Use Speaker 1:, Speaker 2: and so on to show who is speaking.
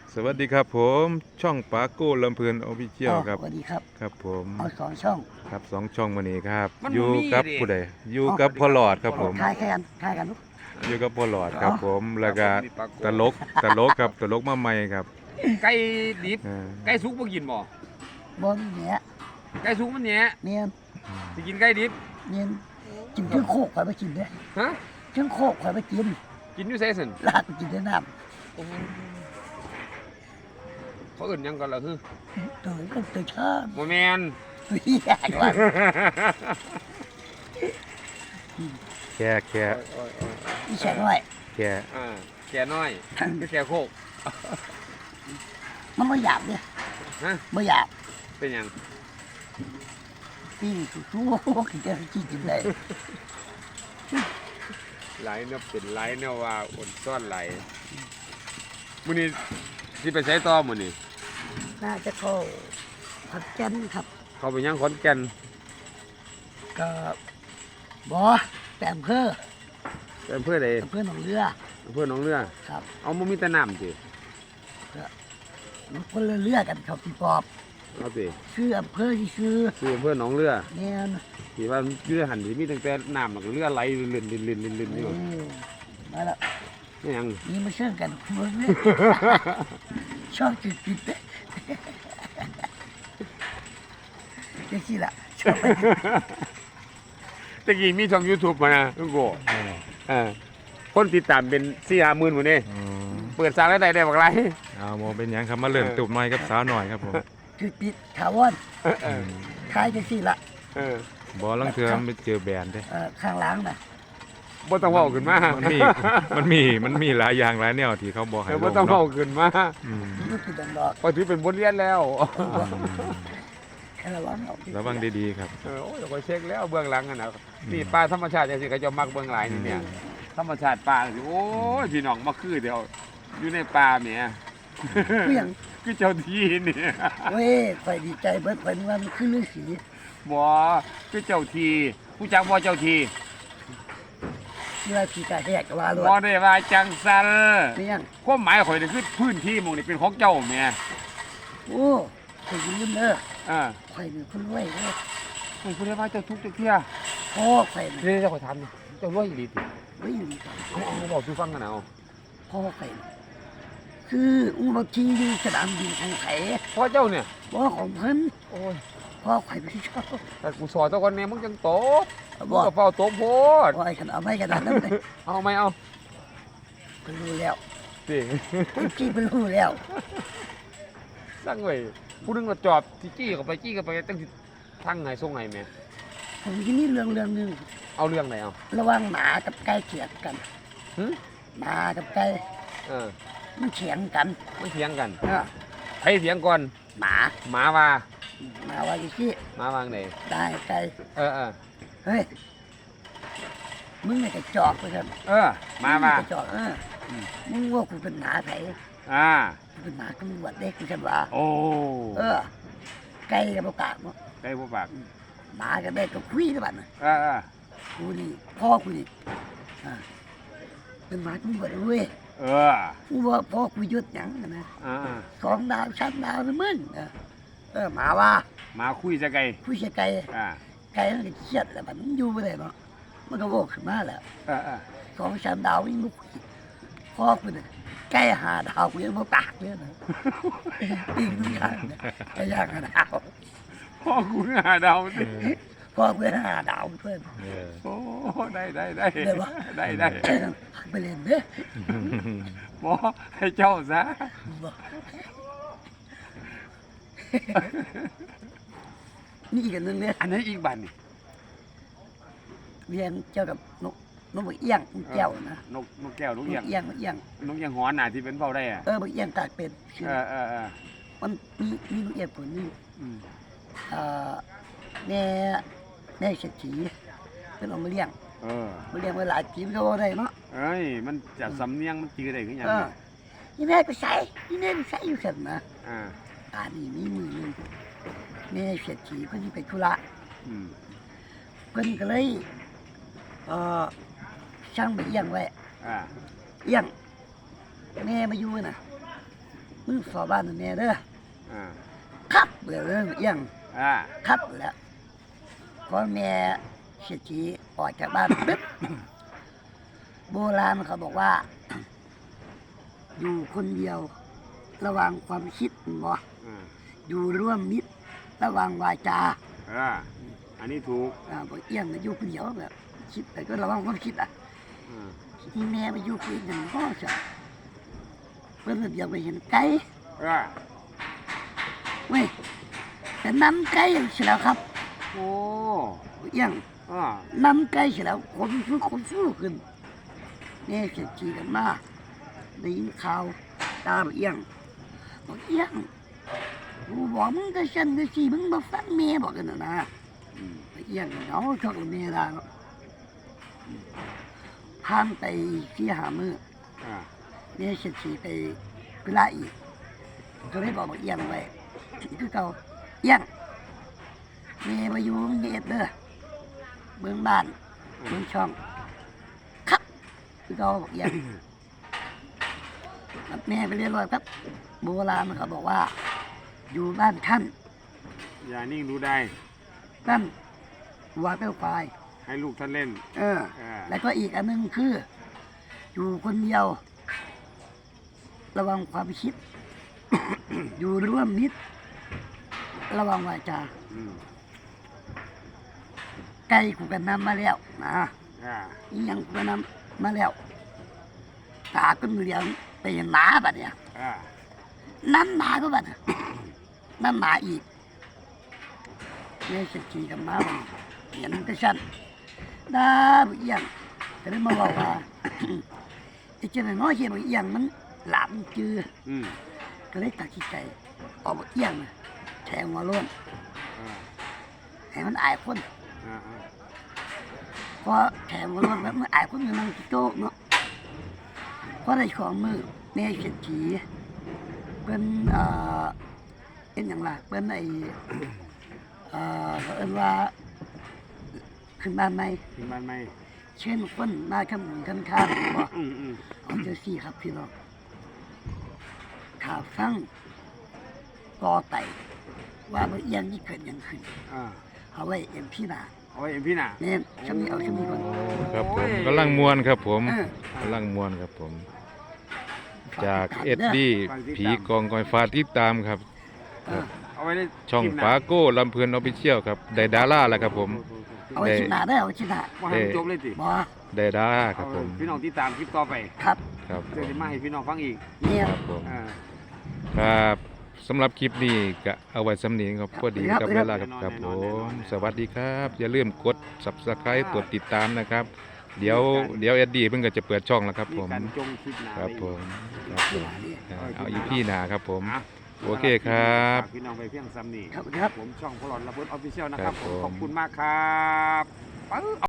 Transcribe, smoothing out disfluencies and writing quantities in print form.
Speaker 1: สวัสดีครับผมช่องปาโก้ลำเพลินออฟฟิเชียลครับ
Speaker 2: สวัสดีครับ
Speaker 1: ครับผม
Speaker 2: เอา2 ช่อง
Speaker 1: ครับ2 ช่องวันนี้ครับ
Speaker 3: มัน
Speaker 1: อยู่
Speaker 3: บ่มี
Speaker 1: กับ
Speaker 3: ดิ
Speaker 1: ผู้ใดอยู่กับพ่อหลอดครับผม
Speaker 2: ทายกันลูก
Speaker 1: อยู่กับพ่อหลอดครับผมแล้วก็
Speaker 3: ครับผมนี่ปาโก้
Speaker 1: ตลกครับตลกมาใหม่ครับ
Speaker 3: ไก่ดิบ
Speaker 1: อ่า
Speaker 3: ไก่สุกบ่กินบ่
Speaker 2: บนเนี้ย
Speaker 3: ไก่สุกมันแหน่
Speaker 2: เนียน
Speaker 3: สิกินไก่ดิบ
Speaker 2: เนียนกินเครื่องโคกข่อยไปกินเด้อ
Speaker 3: ฮะ
Speaker 2: เครื่องโคกข่อยไปกิน
Speaker 3: กินอยู่ไสซั่น
Speaker 2: ลาดไปกินได้น้
Speaker 3: เขาเอิ้นหยังกันล่ะคือ
Speaker 2: ำตัวก็ตัวชอบ
Speaker 3: บ่แม่น
Speaker 2: เฮียกว่า
Speaker 1: แค่แค่
Speaker 2: อีแฉน้อย
Speaker 1: แค่
Speaker 3: อ่าแก่น้อยก็แก่โคก
Speaker 2: มันไม่หยาบเนี่ย
Speaker 3: ฮะ
Speaker 2: ไม่หยาบ
Speaker 3: เป็นหยัง
Speaker 2: ปิ้งสู้ๆกินได้กินได้
Speaker 3: หลายแนวเป็นหลายแนวว่าอ่อนซ่อนหลายมื้อนี้สิไปไสต่อมื้อนี้
Speaker 2: น่าจะเข้าผัดแกนครับ
Speaker 3: เขาไปยังขอนแก่น
Speaker 2: ก็บ่แต่อำเภอ
Speaker 3: ไปอำเภอใด
Speaker 2: อำเภอหนองเรือ
Speaker 3: อำเภอหนองเรือ
Speaker 2: ครับ
Speaker 3: เอาบ่มีแต่น้ำติ
Speaker 2: มันคนละเรือกันครับพี่ปอบ
Speaker 3: เอาติ
Speaker 2: ชื่ออำเภอที่ชื่อ
Speaker 3: คืออำเภอหนองเรือ
Speaker 2: เนี่ยนะ
Speaker 3: ที่ว่าอยู่ในหันที่มีตั้งแต่น้ำแล้วก็เรือไหลเลื่อนๆๆๆอยู่
Speaker 2: มาแล้ว
Speaker 3: นี่หยัง
Speaker 2: นี่มาเชื่อกันคุณเนี่ย ชอบจิตจิตเลยเจ๊สิล่ะชอบไป
Speaker 3: ตะกี้มีช่อง YouTube มานะลุงโกคนติดตามเป็น4-5หมื่นหมดนี่
Speaker 1: อืม
Speaker 3: เปิดสร้างรายได้บักไร
Speaker 1: เอาโมเป็นหยังครับมาเริ่มตุบหน่อยกับสาวหน่อยครับผม
Speaker 2: จิตจิตถาวร
Speaker 1: อืม
Speaker 2: คล้ายเจ๊สิล่ะ
Speaker 3: เออ
Speaker 1: บ่ลังเทือมันไปเจอแบรนด์เด้
Speaker 2: ข้างหล้างน่ะ
Speaker 3: บ่ต้องเว้าขึ้นมา
Speaker 1: มันมีหลายอย่างหลายแนวที่เขาบอกให้
Speaker 3: เออ
Speaker 1: ล
Speaker 3: บ่
Speaker 1: ง
Speaker 3: ต้องเว้า
Speaker 1: เนาะ
Speaker 3: ขึ้นมา
Speaker 1: อืม
Speaker 2: นี่คือดังดอก
Speaker 3: พอถือเป็นบทเรียนแล้ว
Speaker 2: แค่ระวังเอา
Speaker 1: ระวังดีๆครับ
Speaker 3: โอ้ยเราก็เช็คแล้วเบื้องหลังอะนะนี่ป่าธรรมชาติจังซี่เขาจะมักเบื้องหลังนี่เนี่ยธรรมชาติป่าสิโอ้ยพี่น้องมาคือเดียวอยู่ในป่าแหม
Speaker 2: คืออย่าง
Speaker 3: คือเจ้าที่นี่
Speaker 2: เว้ยคอยดีใจเบิดคอยนึกว่ามันคือฤาษี
Speaker 3: บ่คือเจ้าที่ผู้จักบ่เจ้าที่
Speaker 2: ที่ว่าผีกาแหกก็ว่าเลย
Speaker 3: บ่ได้ว่าจังซั่น
Speaker 2: นี่ยัง
Speaker 3: ความหมายข่อยนี่คือพื้นที่หมองนี่เป็นของเจ้าแหม่
Speaker 2: โอ้คอยยืมเด้อ
Speaker 3: อ่า
Speaker 2: คอยเป็นคนรวยเด้อ
Speaker 3: ข่อยบ่ได้ว่าเจ้าทุกข์เจ้าเที่ย
Speaker 2: พ่อคอย
Speaker 3: เดี๋ยวข่อยถามนี่เจ้ารวยอีหลีติ
Speaker 2: ไม่อยู่นี่ครับ
Speaker 3: เอาบอกสู่ฟังกันเอา
Speaker 2: พ่อคอยคืออุบัติเหตุสนามบินของไผ่
Speaker 3: พ่อเจ้าเนี่ย
Speaker 2: บ่ของเพิ่น
Speaker 3: โอ้ย
Speaker 2: พ่อคอยไม่ชอบ
Speaker 3: แต่กูสอนเจ้าก่อนแน่มึงจังโตมึง
Speaker 2: บ่
Speaker 3: ก็เฝ้าโตโพด
Speaker 2: บ่ไอ้ขนาดไม่ขนาดนั้นเลย
Speaker 3: เอาไหมเอา
Speaker 2: เพิ่นรู้แล้ว
Speaker 3: สิ
Speaker 2: จี้เพิ่นรู้แล้ว
Speaker 3: สั่งไว้ผู้หนึงก็จอบสิจี้เข้าไปตั้งสิทางไหนส่งไหนแม่
Speaker 2: ผมที่นี่เรื่องหนึง
Speaker 3: เอาเรื่องไหนเอา
Speaker 2: ระหว่างหมากับไก่เถียงกัน
Speaker 3: หึ
Speaker 2: หมากับไก่
Speaker 3: เออ
Speaker 2: มันเถียงกัน
Speaker 3: มันเถียงกัน
Speaker 2: เออ
Speaker 3: ใครเถียงก่อน
Speaker 2: หมา
Speaker 3: หมาว่า
Speaker 2: หมาว่าอยู่ที่
Speaker 3: หมาวางไหน
Speaker 2: ได้ไก่
Speaker 3: เออ
Speaker 2: เฮ้ยมึงเนี่ยกระจอกไปกัน
Speaker 3: เออหมาว่า
Speaker 2: กระจอกมึงว่ากูเป็นหมาไผ
Speaker 3: อ่า
Speaker 2: กูเป็นหมาตำรวจเด็กกูจะว่า
Speaker 3: โอ้
Speaker 2: ไก่กับกากเนาะ
Speaker 3: ได้บ่ปาก
Speaker 2: หมากับเด็กกับคุยกันบ้านน่ะ
Speaker 3: เออ
Speaker 2: กูนี่พ่อกูนี่เป็นหมาตำรวจเว้ย
Speaker 3: เออ
Speaker 2: กูว่าพ่อกูยศหยังนะ
Speaker 3: อ่า
Speaker 2: 2 ดาว3 ดาวนะมึงหมาว่า
Speaker 3: หมาคุยจะไกล
Speaker 2: คุยกับไก่
Speaker 3: อ่า
Speaker 2: ไก่มันก็เครียดแหละมันอยู่ไม่ได้เนาะมันก็โวกขึ้นมาแหละ
Speaker 3: เออ
Speaker 2: 2-3 ดาววิ่งลุกพ่อกูเนี่ยไก่5 ดาวกูยังไม่ปากเลยนะปิ้งทุกอย่างเนี่ยไก่ย่าง5 ดาว
Speaker 3: พ่อกูหาดาวสิ
Speaker 2: พ่อกู5 ดาวเพื่อน
Speaker 1: เออ
Speaker 3: โอ้ได้
Speaker 2: ได้ปะ
Speaker 3: ได้
Speaker 2: ไปเล่นเด้อ
Speaker 3: หมอให้เจ้าซะ
Speaker 2: บอกนี่อีกอันหนึงเนี่ย
Speaker 3: อันนี้อีกบันนี่
Speaker 2: เรียนเกี่ยวกับนกบักเอี้ยงนกแก้วนะ
Speaker 3: นกแก้วน
Speaker 2: น
Speaker 3: ก
Speaker 2: ก
Speaker 3: เอียง
Speaker 2: เอี้ยงนกเอี้ยง
Speaker 3: นกเอียงหอนน่ะที่เป็นเฝ้าได้อ่ะ
Speaker 2: บักเอี้ยงกากเป็นชื่อ
Speaker 3: เออ
Speaker 2: มันมีนกเอี้ยงตัวหนึง
Speaker 3: อืม
Speaker 2: เอ่อแม่เศรษฐีเป็นเอามาเลี้ยง
Speaker 3: เออ
Speaker 2: มาเลี้ยงไว้หลายปีมันก็บ่ได้เนาะ
Speaker 3: เอ้ยมันจากสำเนียงมันจือได้คือหยัง
Speaker 2: เออ
Speaker 3: เนี่ย
Speaker 2: นี่แม่ก็ใส่นี่แม่ก็ใส่อยู่ซั่นนะ
Speaker 3: อ่า
Speaker 2: นี่มีมือหนึงแม่เศรษฐีเพิ่นสิไปธุระ
Speaker 3: อืม
Speaker 2: เพิ่นก็เลยเอ่อช่างไปเอี้ยงไว้
Speaker 3: อ่า
Speaker 2: เอี้ยงแม่มาอยู่น่ะมึงสอบบ้านแม่เด้อ
Speaker 3: อ่า
Speaker 2: ครับเบื่อเรื่องเอียง
Speaker 3: อ่า
Speaker 2: ครับแล้วพอแม่เสียชีออกจากบ้านปึ๊บ โบราณเขาบอกว่า อยู่คนเดียว ระวังความคิดบ่
Speaker 3: อ่า
Speaker 2: อยู่ร่วมมิตรระวังวาจา
Speaker 3: อ่าอันนี้ถูก
Speaker 2: บอกเอี้ยงมาอยู่คนเดียวแบบคิดแต่ก็ระวังความคิดอ่ะ
Speaker 3: อ่า
Speaker 2: ที่แม่ไปอยู่คนหนึ่งก็จะเพื่อนเดียวไปเห็นไก่
Speaker 3: อ่า
Speaker 2: เว้ยแต่น้ำไก่เสียแล้วครับ
Speaker 3: โอ้
Speaker 2: เอี้ยง
Speaker 3: อ่า
Speaker 2: น้ำไก่เสียแล้วคนสู้ขึ้นแม่เสียชีกันมาได้ยินข่าวตาบอกเอี้ยงบอกเอี้ยงกูบอกมึงก็ฉันก็สิมึงมาฟังแม่บอกกันนะ
Speaker 3: อืม
Speaker 2: เอี้ยงเหงาชอบแม่ได้ผ่านไปที่หามือ
Speaker 3: อ่า
Speaker 2: แม่เสียชีไปกุลาอีกก็เลยบอกเอี้ยงไว้คือเก่าเอี้ยงแม่มาอยู่เงียบเด้อเบื้องบ้านเบื้องช่องครับคือเก่าบอกเอี้ยงกับแม่ไปเรียนรอยครับโบราณเขาบอกว่า อยู่บ้านท่าน
Speaker 3: อย่านิ่งดูได้
Speaker 2: ท่านวัวเต้าควาย
Speaker 3: ให้ลูกท่านเล่น
Speaker 2: อ่า แล้วก็อีกอันหนึงคือ อยู่คนเดียว ระวังความคิด อยู่ร่วมมิตร ระวังวาจา
Speaker 3: อืม
Speaker 2: ไก่กูกันนำมาแล้วนะ
Speaker 3: อ่า
Speaker 2: อีหยังกูกันนำมาแล้วตาก็เหลืองไปเห็นหมาบัดเนี่ย
Speaker 3: อ่า
Speaker 2: น้ำหมาก็บัดน่ะ น้ำหมาอีกแม่จะขี่กับหมาบัดนี้เห็นก็ฉันดาบเอียงก็เลยมาบอกว่า ไอ้เจ้าน้อยเหี้ยบเอียงมันหลามจือ
Speaker 3: อืม
Speaker 2: ก็เลยตัดสินใจออกมาเอียงน่ะแทงหัวโล้น
Speaker 3: อ่า
Speaker 2: ให้มันอายคน
Speaker 3: อ่าอ่า
Speaker 2: พอแทงหัวโล้นแล้วมันอายคนมันนั่งโต๊ะเนาะพอได้ของมือแม่เศรษฐีเป็นเป็นอย่างไรเป็นไอ้เขาเอิ้นว่าขึ้นบ้านไหม
Speaker 3: ถึงบ้านไหม
Speaker 2: เช่นคนมาขมุนกันข้ามบอก
Speaker 3: อืมอืม
Speaker 2: เอาเจ้าซี่ครับพี่น้องข่าวฟังกอไตว่าเมื่อเอียงนี่เกิดหยังขึ้น
Speaker 3: อ่า
Speaker 2: เอาไว้เอ็มพี่นา
Speaker 3: เอาไว้เอ็มพี่น่ะ
Speaker 2: เน้นช่วงนี้เอาช่วงนี้ก่อน
Speaker 1: ครับผมกำลังมวนครับผม
Speaker 2: เออก
Speaker 1: ำลังมวนครับผม จาก
Speaker 2: ฝ
Speaker 1: เอ็ดดี้ผีกองกอยฟ้าติดตามครับ
Speaker 2: เออ
Speaker 3: เอาไว้ใน
Speaker 1: ช่อง
Speaker 3: คลิปหน้
Speaker 1: ปาโก้ลำเพลินออฟฟิเชียลครับได้ดาราแล้วครับผม
Speaker 2: เอาไว้ชิ้นหนาได้เอาไว้ชิ้นหนา
Speaker 3: ว่าให้มันจบเลยสิ
Speaker 2: บอ
Speaker 1: ได้ดาราครับผม
Speaker 3: พี่น้องที่ตามคลิปต่อไป
Speaker 2: ครับ
Speaker 1: ครับผ
Speaker 3: เดี๋ยว
Speaker 1: ม
Speaker 3: จะมาให้พี่น้องฟังอีก
Speaker 2: เนี่ย
Speaker 1: ครับผม
Speaker 3: อ่า
Speaker 1: ครับสำหรับคลิปนี้ก็เอาไว้สำนีครับพอดีกับเวลาครับครับผม สวัสดีครับ อย่าลืมกด Subscribe กดติดตามนะครับ เดี๋ยวเอ็ดดี้เพิ่งก็จะเปิดช่องแล้วครับผม
Speaker 3: การจงคลิปหนา
Speaker 1: ครับผมครับผม
Speaker 2: เนี่ย
Speaker 1: เอาอีพี่นาครับผม
Speaker 3: อ่ะ
Speaker 1: โอเคครับ
Speaker 3: ฝากพี่น้องไปเพียงซ้ำนี่
Speaker 2: ครับครับ
Speaker 3: ผมช่องพลอนละพุทธออฟฟิเชียลนะครับ
Speaker 1: ครับผม
Speaker 3: ขอบคุณมากครับ